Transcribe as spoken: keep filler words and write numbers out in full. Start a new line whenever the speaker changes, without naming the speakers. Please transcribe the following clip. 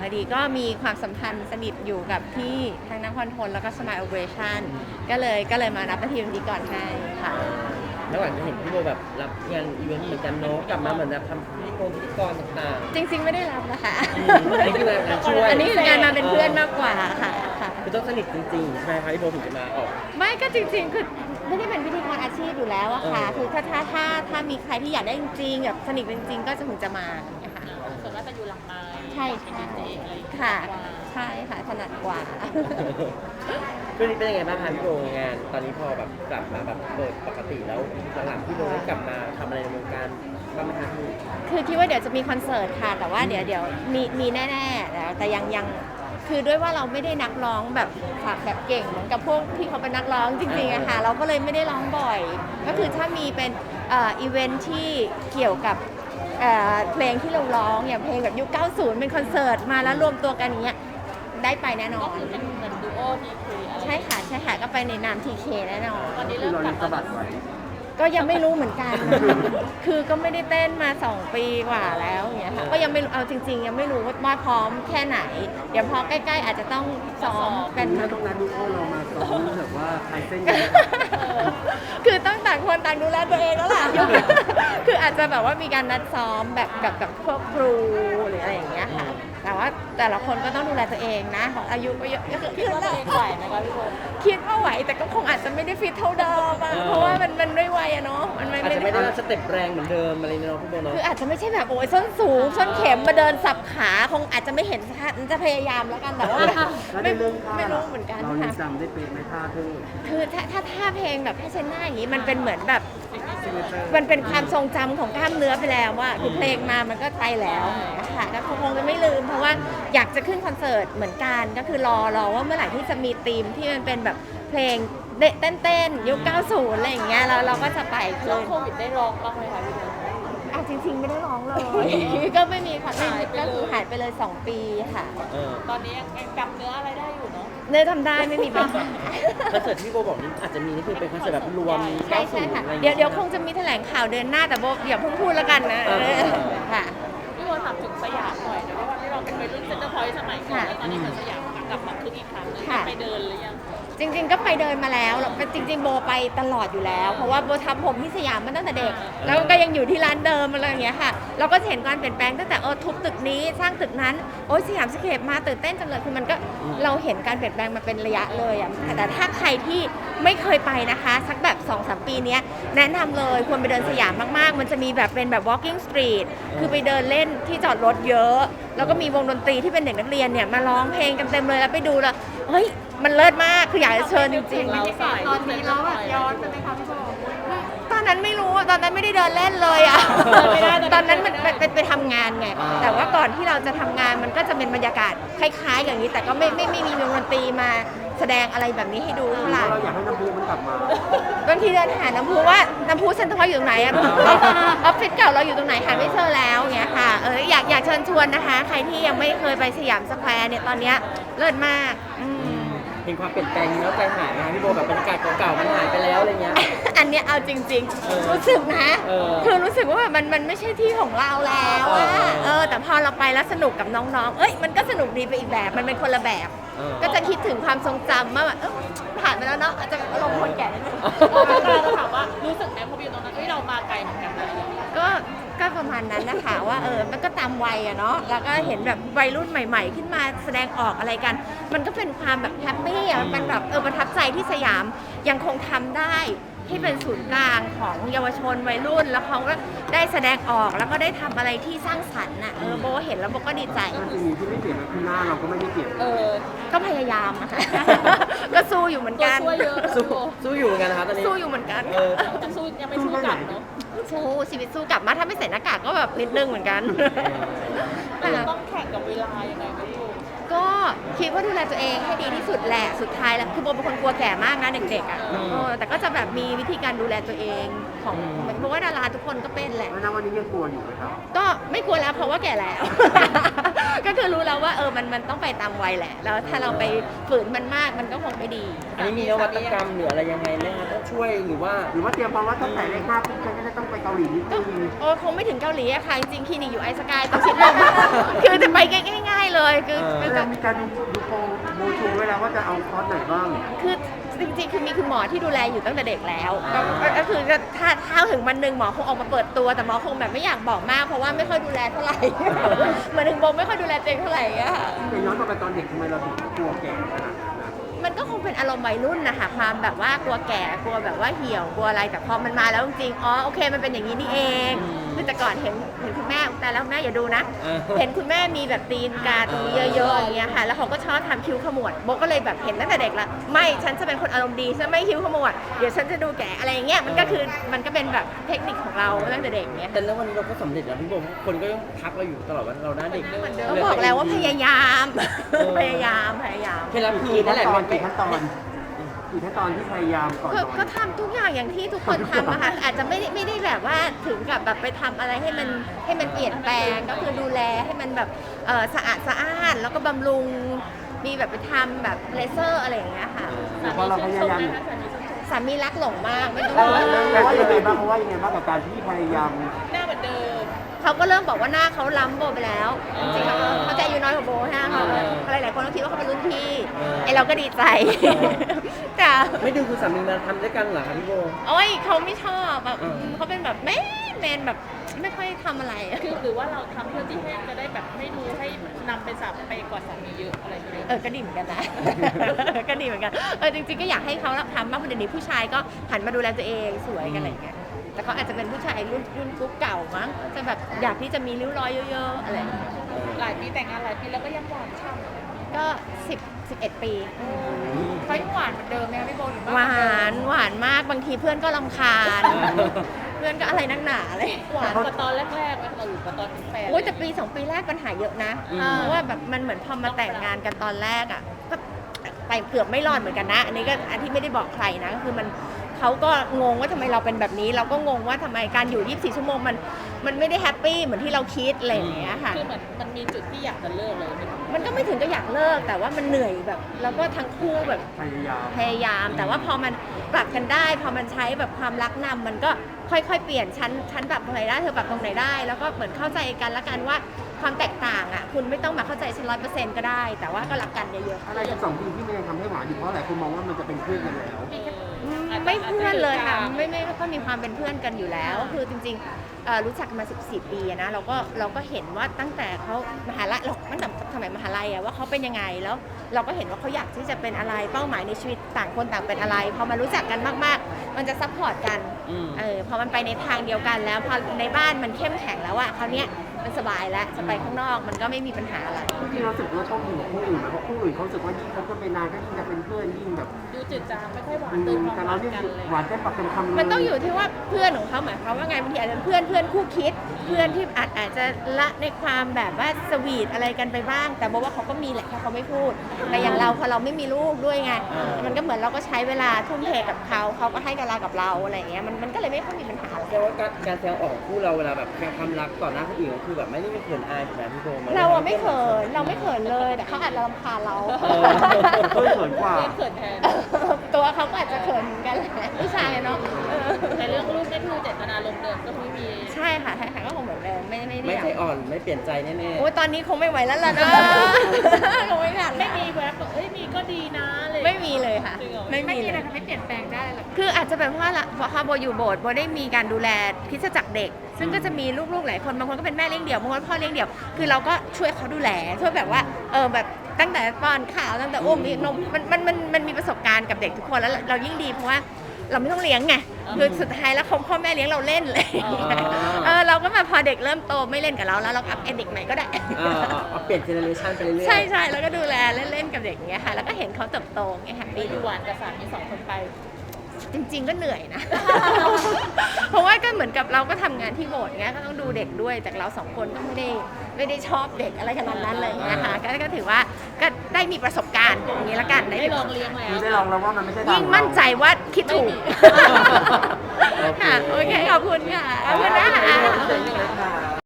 ดีก็มีความสัมพันธ์สนิทอยู่กับที่ทั้งนักคอนโทรลแล้วก็สมายโอเปอเรชั่นก็เลยก็เลยมารับหน้าที่ตรงนี้ก่อนให้ค่ะ
แล้วหลังจะเห็นพี่โบแบบรับงานอีเวนต์เหมือนกันเนาะกลับมาเหมือนแบบทำพิธีกรพิธีกรต่าง
จริงๆไม่ได้รับนะคะ
ๆอันนี้คืองานช่วย
อันนี้คืองานมาเป็นเพื่อนมากกว่าค่ะค่ะ
คือต้องสนิทจริงๆใช่ไหมคะพี่โบถึงจะมาออก
ไม่ก็จริงๆคือไม่ได้เป็นพิธีกรอาชีพอยู่แล้วอะค่ะคือถ้าถ้าถ้าถ้ามีใครที่อยากได้จริงๆแบบสนิทจริงๆก็จะถึงจะมาอย่างเงี้ยค่ะ
ส่วนมากจะอยู่หลังไมค์
ใช่ใช่ค่ะใช่ค่ะถนัดกว่า
ช่วงนี้เป็นยังไงบ้างคะพี่โบงานตอนนี้พอแบบกลับมาแบบเปิดปกติแล้วหลังๆพี่โบได้กลับมาทำอะไรในวงการบ้างไหมคะพี่
คือคิดว่าเดี๋ยวจะมีคอนเสิร์ตค่ะแต่ว่าเดี๋ยวเดี๋ยวมีมีแน่ๆแล้วแต่ยังยังคือด้วยว่าเราไม่ได้นักร้องแบบฝักแบบเก่งเหมือนกับพวกที่เขาเป็นนักร้องจริงๆอะค่ะเราก็เลยไม่ได้ร้องบ่อย ก็คือถ้ามีเป็นเอ่ออีเวนท์ที่เกี่ยวกับเอ่อเพลงที่เราร้องอย่างเพลงแบบยุคเก้าสิบเป็นคอนเสิร์ตมาแล้วรวมตัวกันอย่างเงี้ยได้ไปแน่นอน
ก็คือเป็นเหมือนดูโอทีเค
ใช่ค่ะใช่ค่ะก็ไปในนามทีเคแน่นอน
ตอนนี้เริ่มกลับมาไว้
ก็ยังไม่รู้เหมือนกัน คือก็ไม่ได้เต้นมาสองปีกว่าแล้วอย่างเงี้ยค่ะก็ยังไม่เอาจริงๆยังไม่รู้ว่าพร้อมแค่ไหนเดี๋ยวพอใกล้ๆอาจจะต้องซ้อมกัน
ถ้าต้องนัดดูโอเรามาซ้อมแบบว่าไทยเส้นกัน
คือต้องต่างคนต่างดูแลตัวเองแล้วล่ะ คืออาจจะแบบว่ามีการนัดซ้อมแบบกับกับพวกครูหรืออะไรอย่างเงี้ยค่ะแต่ว่าแต่ละคนก็ต้องดูแลตัวเองนะของอายุก็เยอะ
คิดว่าตัวเองไหวไหมคะพี่โบ
คิดว่าไหวแต่ก็คงอาจจะไม่ได้ฟิตเท่าเดิมอะเพราะว่ามันมันด้วยวัยอะเนาะมัน
อาจจะไม่ได้สเต็ปแรงเหมือนเดิมอะไรเนาะพี่โบเนาะ
คืออาจจะไม่ใช่แบบโอ้ยส้นสูงส้นเข็มมาเดินสับขาคงอาจจะไม่เห็นชัดจะพยายามแล้วกันแต่ว่าไม่ไม่รู้เหมือนกัน
เรา
ค่ะ
จำได้เป็นไหมท่าเธอ
คือถ้าถ้าท่าเพลงแบบผ้าเช็ดหน้าอย่างนี้มันเป็นเหมือนแบบมันเป็นความทรงจำของกล้ามเนื้อไปแล้วว่าคือเพลงมามันก็ไปแล้วค่ะก็คงจะไม่ลืมเพราะว่าอยากจะขึ้นคอนเสิร์ตเหมือนกันก็คือรอรอว่าเมื่อไหร่ที่จะมีธีมที่มันเป็นแบบเพลงเต้นเต้นยุคเก้าสิบอะไรอย่างเงี้ยแล้วเราก็จะไป
ช่วงโควิดได้ร้องบ้างไหมคะพี่โบ
อ่ะจริงๆไม่ได้ร้องเลยก็ไม่มีค่ะก็คือหายไปเลยสองปีค่ะ
ตอนนี้ยังจำเนื้ออะไรได้อยู่เนาะ
เนื้อทำได้ไม่มีปัญหา
คอนเสิร์ตที่โบบอกนี่อาจจะมีนี่คือเป็นคอนเสิร์ตแบบรวม
ใช่ใช่ค่ะเดี๋ยวเดี๋ยวคงจะมีแถลงข่าวเดือนหน้าแต่โบอย่าเพิ่งพูดแล้วกันนะค่ะ
พี่โบถามถึงสยามหน่อยนะว่าที่เราเป็นวัยรุ่นเซ็นเตอร์พอยต์สมัยก่อนแล้วตอนนี้เหมือนสยามกลับมาคึกอีกครั้งนึงไปเดินหรือยัง
จริงๆก็ไปเดินมาแล้วจริงๆโบไปตลอดอยู่แล้วเพราะว่าโบทำผมที่สยามมาตั้งแต่เด็กแล้วก็ยังอยู่ที่ร้านเดิมอะไรอย่างเงี้ยค่ะเราก็เห็นการเปลี่ยนแปลงตั้งแต่เออทุบตึกนี้สร้างตึกนั้นโอ้ยสยามสเคปมาตื่นเต้นจังเลยคือมันก็เราเห็นการเปลี่ยนแปลงมาเป็นระยะเลยอ่ะแต่ถ้าใครที่ไม่เคยไปนะคะสักแบบ สองสาม ปีนี้แนะนำเลยควรไปเดินสยามมากๆมันจะมีแบบเป็นแบบ walking street คือไปเดินเล่นที่จอดรถเยอะแล้วก็มีวงดนตรีที่เป็นเด็กนักเรียนเนี่ยมาร้องเพลงกันเต็มเลยแล้วไปดูแล้วเฮ้ยมันเลิศมากคืออยากจะเชิญจริงๆ
ตอนนี้เราแบบย้อนไปไหมคะพี่โบ
ตอนนั้นไม่รู้ตอนนั้นไม่ได้เดินเล่นเลยอ่ะตอนนั้นมันเป็นไปทำงานไงแต่ว่าก่อนที่เราจะทำงานมันก็จะเป็นบรรยากาศคล้ายๆอย่างนี้แต่ก็ไม่ไม่ไม่มีวงดนตรีมาแสดงอะไรแบบนี้ให้ดูเท่าไหร่
เราอยากให้น้ำพุมันกลับมา
บางทีเดินหาน้ำพุว่าน้ำพุเซ็นทรัลอยู่ตรงไหนอะออฟฟิศเก่าเราอยู่ตรงไหนหาไม่เจอแล้วเงี้ยค่ะเอออยากอยากเชิญชวนนะคะใครที่ยังไม่เคยไปสยามสแควร์เนี่ยตอนเนี้ยเลิศมาก
เห็นความเปลี่ยนแปลงนี้แล้วใจหายไหมคะพี่โบแบบบรรยากาศเก่าๆมันหายไปแล้วอะไรเงี้ย
อันเนี้ยเอาจริงๆรู้สึกนะคือรู้สึกว่าแบบมันมันไม่ใช่ที่ของเราแล้วอะเออแต่พอเราไปแล้วสนุกกับน้องๆเอ้ยมันก็สนุกดีไปอีกแบบมันเป็นคนละแบบก็จะคิดถึงความทรงจำว่าแบบผ่านไปแล้วเนาะอาจจะอารมณ์คนแก่นิดนึง
เราถามว่ารู้สึกไหมพอไปอยู่ตรงนั้นที่เรามาไกลเหมือนกัน
ก็ก็ประมาณนั้นนะคะว่าเออมันก็ตามวัยอะเนาะแล้วก็เห็นแบบวัยรุ่นใหม่ๆขึ้นมาแสดงออกอะไรกันมันก็เป็นความแบบแฮปปี้อะมันแบบเออประทับใจที่สยามยังคงทำได้ที่เป็นศูนย์กลางของเยาวชนวัยรุ่นแล้วเขาก็ได้แสดงออกแล้วก็ได้ทำอะไรที่สร้างสรรค์น่ะเออโบเห็นแล้วโบก็ดีใจ
สิ่งที่ไม่เปลี่ยนคือหน้าเราก็ไม่ได้เปลี่ยน
เออก็พยายามอะค่ะก็สู้อยู่เหมือนกัน
สู้สู้อยู่เหมือนกันนะครับตอนนี้
สู้อยู่เหมือนกัน
จะสู้ยังไม่สู้กลับเนาะ
สู้ชีวิตสู้กลับมาถ้าไม่ใส่หน้ากากก็แบบนิดนึงเหมือนกัน
ต้องแข่งกับเวลายังไงไม่รู้
ก็คิดว่าดูแลตัวเองให้ดีที่สุดแหละสุดท้ายแล้วคือโบเป็นคนกลัวแก่มากนะเด็กๆอ่ะแต่ก็จะแบบมีวิธีการดูแลตัวเองของเพราะว่าดาราทุกคนก็เป็นแหละ
แล้ววันนี้ยังกลัวอยู่ไหมครับ
ก็ไม่กลัวแล้วเพราะว่าแก่แล้วก็คือรู้แล้วว่าเออมันมันต้องไปตามวัยแหละ แล้วถ้าเราไปฝืนมันมากมันก็คงไม่ดี
อันนี้มีนวัตกรรมหรืออะไรยังไงไหมคะต้องช่วยหรือว่า
หรือว่าเตรียมพร้อมว่าตั้งแต่เลขห้าปุ๊บฉันก็จะต้องไปเกาหลีนิดนึง
โอ้คงไม่ถึงเกาหลีอะค่ะ จริงๆคลินิกอยู่ไอสกายต้องชิดลม คือจะไปง่ายๆเลยคือ
เออ
มัน
แล้
จะ
วมีการดูดูโปรโมชูไว้แล้วว่าจะเอาคอร์สไหนบ้าง
คือจริงๆ คือมีคุณหมอที่ดูแลอยู่ตั้งแต่เด็กแล้วก็ก็คือถ้าถ้าถึงวันหนึ่งหมอคงออกมาเปิดตัวแต่หมอคงแบบไม่อยากบอกมากเพราะว่าไม่ค่อยดูแลเท่าไหร่ เหมือนถึงโบไม่ค่อยดูแลตัวเองเท่าไหร่อะค่ะ
แต่ย้อนกลับไปตอนเด็กทำไมเราถึงกลัวแก่ขนาดนั้นนะ
มันก็คงเป็นอารมณ์วัยรุ่นนะคะความแบบว่ากลัวแก่กลัวแบบว่าเหี่ยวกลัวอะไรแต่พอมันมาแล้วจริงๆอ๋อโอเคมันเป็นอย่างนี้นี่เองคือแต่ก่อนเห็นเห็นคุณแม่แต่แล้วแม่อย่าดูนะ
เออ
เห็นคุณแม่มีแบบตีนกาตรงนี้เยอะๆอย่างเงี้ยค่ะแล้วเขาก็ชอบทำคิ้วขมวดโบก็เลยแบบเห็นตั้งแต่เด็กละไม่ฉันจะเป็นคนอารมณ์ดีฉันไม่คิ้วขมวดเดี๋ยวฉันจะดูแก่อะไรอย่างเงี้ยมันก็คือมันก็เป็นแบบเทคนิคของเราตั้งแต่เด็กเงี้ย
แต่แล้ววันนี้เราก็สำเร็จแล้วพี่โบคนก็ยังทักเราอยู่ตลอดว่าเราหน้าเด็ก
ก็บอกแล้วว่าพยายาม พยายามพยายาม
เคล็ดลับคือ
กี่
นั่
ขั้
น
น
แหละ
ตอน
ไม่
กี่ขั้นตอนกี่ขั้นตอนที่พยายามก่อน
ก็
นอน
ก็ทำทุกอย่างอย่างที่ทุกคนทำอะค่ะอาจจะไม่ได้ไม่ได้แบบว่าถึงกับแบบไปทำอะไรให้มันให้มันเปลี่ยนแปลงก็คือดูแลให้มันแบบเออสะอาดสะอาดแล้วก็บำรุงมีแบบไปทำแบบเลเซอร์อะไรอย่างเงี้ยค่ะ
แต่พอเราพยายาม
สามีรักหลงมากไม่ต้อง
เพราะ
ห่วง
ว่ายังไงบ้างเพราะว่ายังไงบ้างกับการที่พยายาม
หน้าเหมือนเดิม
เขาก็เริ่มบอกว่าหน้าเขาล้ำโบไปแล้วจริงๆเขาเขาจะอายุน้อยกว่าโบใช่ไหมเขาหลายๆคนก็คิดว่าเขาเป็นรุ่นพี่ไอเราก็ดีใจแต่
ไม่ดึงคุณสามีมาทำด้วยกันเหรอคะพี่โบ
โอ้ยเขาไม่ชอบแบบ
อืม
เขาเป็นแบบแมนแมนแบบไม่ค่อยทำอะไรอะ
คือหรือว่าเราทำเพื่อที่ให้จะได้แบบไม่ดูให้นำไปสับไปกว่าสามีเยอะอะไรอย่างเงี้ย
เออก็ดีเหมือนกันนะ ก็ดีเหมือนกันเออจริงๆก็อยากให้เขาทำมากกว่าเดี๋ยวนี้ผู้ชายก็หันมาดูแลตัวเองสวยกันอะไรอย่างเงี้ยแต่เขาอาจจะเป็นผู้ชายรุ่นรุ่นกุ๊กเก่ามั้งจะแบบอยากที่จะมีริ้วรอยเยอะๆอะไรอย่างเงี้ย
หลายปีแต่งงานหลายปีแล้วก็ยังหวานฉ่ำ
ก็สิบสิบเอ็ดปี
เขายังหวานเหมือนเดิมไหมคะพี่โบหรือ
หวานหวานมากบางทีเพื่อนก็รำคาญ เพื่อนก็อะไรนักหนาเลย
หวานกว่าตอนแรกๆไหมเราหรือกว่าตอนเป็นแฟน
โอ้ยแต่ปีสองปีแรกปัญหาเยอะนะ
อืม
เพราะว่าแบบมันเหมือนพอมาแต่งงานกันตอนแรกอ่ะก็ไปเกือบไม่รอดเหมือนกันนะ อันนี้ก็อันที่ไม่ได้บอกใครนะก็คือมันเขาก็งงว่าทำไมเราเป็นแบบนี้ เราก็งงว่าทำไมการอยู่ยี่สิบสี่ชั่วโมงมันมันไม่ได้แฮปปี้เหมือนที่เราคิดอะไรอย่างเงี้ยค่ะ
คือเหมือนมันมีจุดที่อยากจะเลิกเลย
มันก็ไม่ถึงก็อยากเลิกแต่ว่ามันเหนื่อยแบบ แล้วก็ทั้งคู่แบบ
พยายาม
พยายาม แต่ว่าพอมันปรับกันได้ พอมันใช้แบบความรักนำมันก็ค่อยๆเปลี่ยนชั้นชั้นปรับตรงไหนได้เธอปรับตรงไหนได้ แล้วก็เหมือนเข้าใจกันละกันว่าความแตกต่างอ่ะคุณไม่ต้องมาเข้าใจฉันร้อยเปอร์เซ็นต์ก็ได้ แต่ว่าก็รักกันเยอะๆ
อะไรกับสองปีที่มันยังทำให้หวานอยู่เพราะหลายคนมองว่ามันจะเป็นเพื่อนกันแล้ว
อืมไม่เพื่อนเลยค่ะไม่ไม่ก็มีความเป็นเพื่อนกันอยู่แล้วคือจริงๆเอ่อรู้จักกันมาสิบสี่ปีอะนะเราก็เราก็เห็นว่าตั้งแต่เขามหาลัยเราตั้งแต่สมัยมหาลัยอะว่าเขาเป็นยังไงแล้ว เราก็เห็นว่าเขาอยากที่จะเป็นอะไรเป้าหมายในชีวิตต่างคนต่างเป็นอะไรพอมารู้จักกันมากๆ มันจะซัพพอร์ตกัน
อืม
เออพอมันไปในทางเดียวกันแล้วพอในบ้านมันเข้มแข็งแล้วอะคราวเนี้ยมันสบายแล้วจะไปข้างนอกมันก็ไม่มีปัญหาอะไร
จริงๆเราสึกว่าชอบอยู่กับคู่อื่นไหมเพราะคู่อื่นเขารู้สึกว่ายิ่งคบกันไปนานก็ยิ่งจะเป็นเพื่อนยิ่งแบบ
ดูจืดจางไม่ค่อยหวาน
อื
เติม
ม
ความ
แต่
ห
เรา
วาน
นี่
กันเลย
หวานได้ปากเป็นคำเลย
มันต้องอยู่ที่ว่าเพื่อนของเขาหมายความว่าไงบางทีอาจจะเป็นเพื่อนเพื่อนคู่คิด เพื่อนที่อาจอาจจะละในความแบบว่าสวีทอะไรกันไปบ้าง แต่บอกว่าเขาก็มีแหละแค่เขาไม่พูดแต่อย่างเราพอเราไม่มีลูกด้วยไงมันก็เหมือนเราก็ใช้เวลาทุ่มเทกับเขาเขาก็ให้เวลากับเราอะไรอย่างเงี้ยมันมันก็เลยไม่ค่อยมีปัญหา
แต่ว่าการการแสดงออกของคู่เราเวลาแบบแสดงความรักต่อหน้าคนอื่นก็คือแบบไม่ได้เป็นเขินอายถูกไหมพี่โบมัน
เราอะไม่เขินเราไม่เขินเลยแต่เขาอาจจะรำคาญเรา
เออ
เพื่อนเขินกว่า
เพื่อนเขินแทน
ตัวเขาก็อาจจะเขินเหมือนกันแหละผู้ชายอะเนาะเออ
แต่เรื่องลูกนี่คือเจตนาลมณ์เดิมก็ไม่มี
ใช่ค่ะใช่ค่ะก็คงเหมือนเดิมไม่ไม่ได้
ไม่
อยาก
ใจอ่อนไม่เปลี่ยนใจแน่ๆ
โอ้ยตอนนี้คงไม่ไหวแล้วล่ะนะ คงไม่ทัน
ไม่
แล้ว
มีแวบแบบเอ้ยมีก็ดีนะอะไร
ไม่มีเลยค่ะ
จริงเหรอ
ไม่มีเลย
ทำให้เปลี่ยนแปลงได้หรอ
คืออาจจะเป็นเพราะว่าละเพราะว่าโบอยู่โบสถ์โบได้มีการดูแลคริสตจักรเด็ก ซึ่งก็จะมีลูกๆหลายคนบางคนก็เป็นแม่เลี้ยงเดี่ยวบางคนพ่อเลี้ยงเดี่ยวคือเราก็ช่วยเขาดูแลช่วยแบบว่าเออแบบตั้งแต่ป้อนข้าวตั้งแต่อุ้มมีนมมันมันมันมันมีประสบการณ์กับเด็กทุกคนแล้วเรายิ่งดีเพราะว่าเราไม่ต้องเลี้ยงไงคือสุดท้ายแล้วเขาพ่อแม่เลี้ยงเราเล่นเลยเออเราก็แบบพอเด็กเริ่มโตไม่เล่นกับเราแล้วเราอัพเอเด็กใหม่ก็ได้
เออเอาเอาเปลี่ยนเจเนอเรชันไปเรื่อยๆ
ใช่ใช่แล้วก็ดูแลเล่นๆกับเด็กอย่างเงี้ยค่ะแล้วก็เห็นเขาเติบโตไงแฮป
ไป
ปี้
ดูหวานกับสามีสองคนไป
จริง ๆ ก็เหนื่อยนะ เพราะว่าก็เหมือนกับเราก็ทำงานที่โบสถ์เงี้ยก็ต้องดูเด็กด้วยแต่เราสองคนก็ไม่ได้ไม่ได้ชอบเด็กอะไรขนาดนั้นเลยนะคะก็ก็ถือว่าก็ได้มีประสบการณ์อย่างนี้ละกันได้
ได้ลองเลี้ยงแล้ว
คือได้ลองแล้วว่ามันไม่ใช่ทาง
ยิ่งมั่นใจว่าคิดถูก
โอเค
ค่ะโอเคขอบคุณค่ะขอบคุณนะคะ
ขอบคุณค่ะ